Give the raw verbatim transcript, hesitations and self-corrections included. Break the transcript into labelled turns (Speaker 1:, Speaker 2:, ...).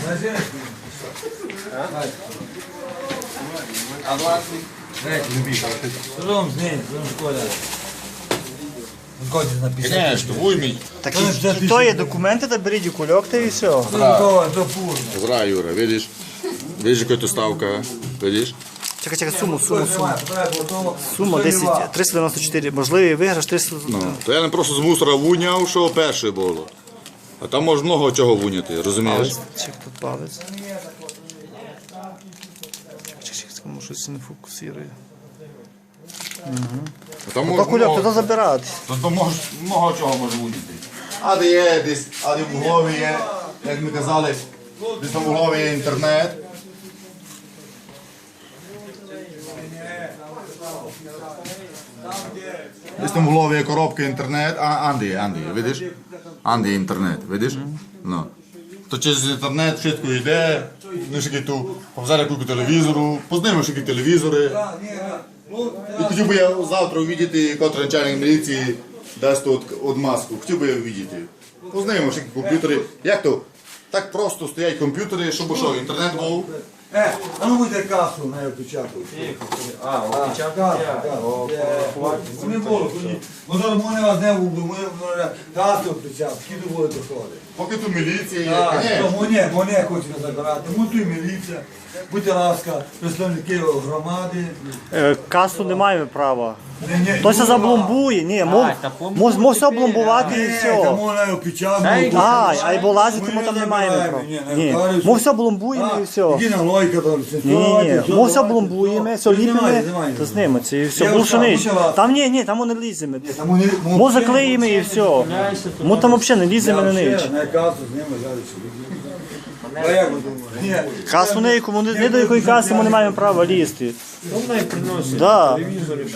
Speaker 1: А власник?
Speaker 2: Ром з ним, Ром шкода. Згодні написати.
Speaker 1: Конечно, вуймій.
Speaker 3: Так і, і то є документи, та беріть у кульок, та і все.
Speaker 2: То то пурно.
Speaker 1: Зра, Юра, видиш? Видиш, яка то ставка, видиш?
Speaker 3: Чекай, чекай, суму, суму, суму. Сума десять, триста дев'яносто чотири. Можливий виграш триста.
Speaker 1: Ну, то я не просто з мусора вуняв, що перше було. А там може много чого вуняти, розумієш?
Speaker 3: Чек тут палець. Чек, чек, кому щось не фокусує.
Speaker 1: А там
Speaker 3: То
Speaker 1: може
Speaker 3: кульок,
Speaker 1: много-
Speaker 3: то забирати.
Speaker 1: То, то може, много чого може вуняти. А де є десь, а де в Углові є, як ми казали, десь там в Углові є інтернет. Десь там в Углові є коробка інтернет, а Анди є, Анди є, видиш? Анди є інтернет, видиш? Ну. То через інтернет швидко йде, ну шики ту, повзяли кілька телевізору, познайомив шики телевізори. І хотів би я завтра увидіти, котрий начальник міліції дасть тут одмазку. Хотів би я увидіти. Познайомив шики комп'ютери. Як то? Так просто стоять комп'ютери, щоб що, інтернет був.
Speaker 2: Е, а ну будьте касу на опечатку.
Speaker 4: А, опечатку?
Speaker 2: Не було, ні. Може, мене вас не вбив, ми касу опечатку, скільки буде доходи.
Speaker 1: Поки тут міліція є,
Speaker 2: Так,
Speaker 1: конечно.
Speaker 2: то мене, мене хочуть забирати, ми тут міліція. Будьте ласка, представники громади.
Speaker 3: Е, Касу не маємо права.
Speaker 2: Ні, ні,
Speaker 3: Хтось забломбує, ні, мов, мов, мов все обломбувати і все.
Speaker 2: Тому на опечатку.
Speaker 3: А, а й бо лазити ми там не маємо права. Ні, мов все бломбуємо і все.
Speaker 2: Іди на лойка там.
Speaker 3: Ні, ні, ні, ми все бломбуємо, все ліпимо, то зніметься і все. Більше ніч. Там ні, ні, там ми не ліземо. Ми заклеїмо і все. Ми там взагалі не ліземо на ніч.
Speaker 2: На касу знімемо, зараз. А як ви думаєте? Ні.
Speaker 3: Касу не, не до якої каси ми не маємо права лізти.
Speaker 4: Ну, най приносить
Speaker 3: Да.
Speaker 4: телевізори.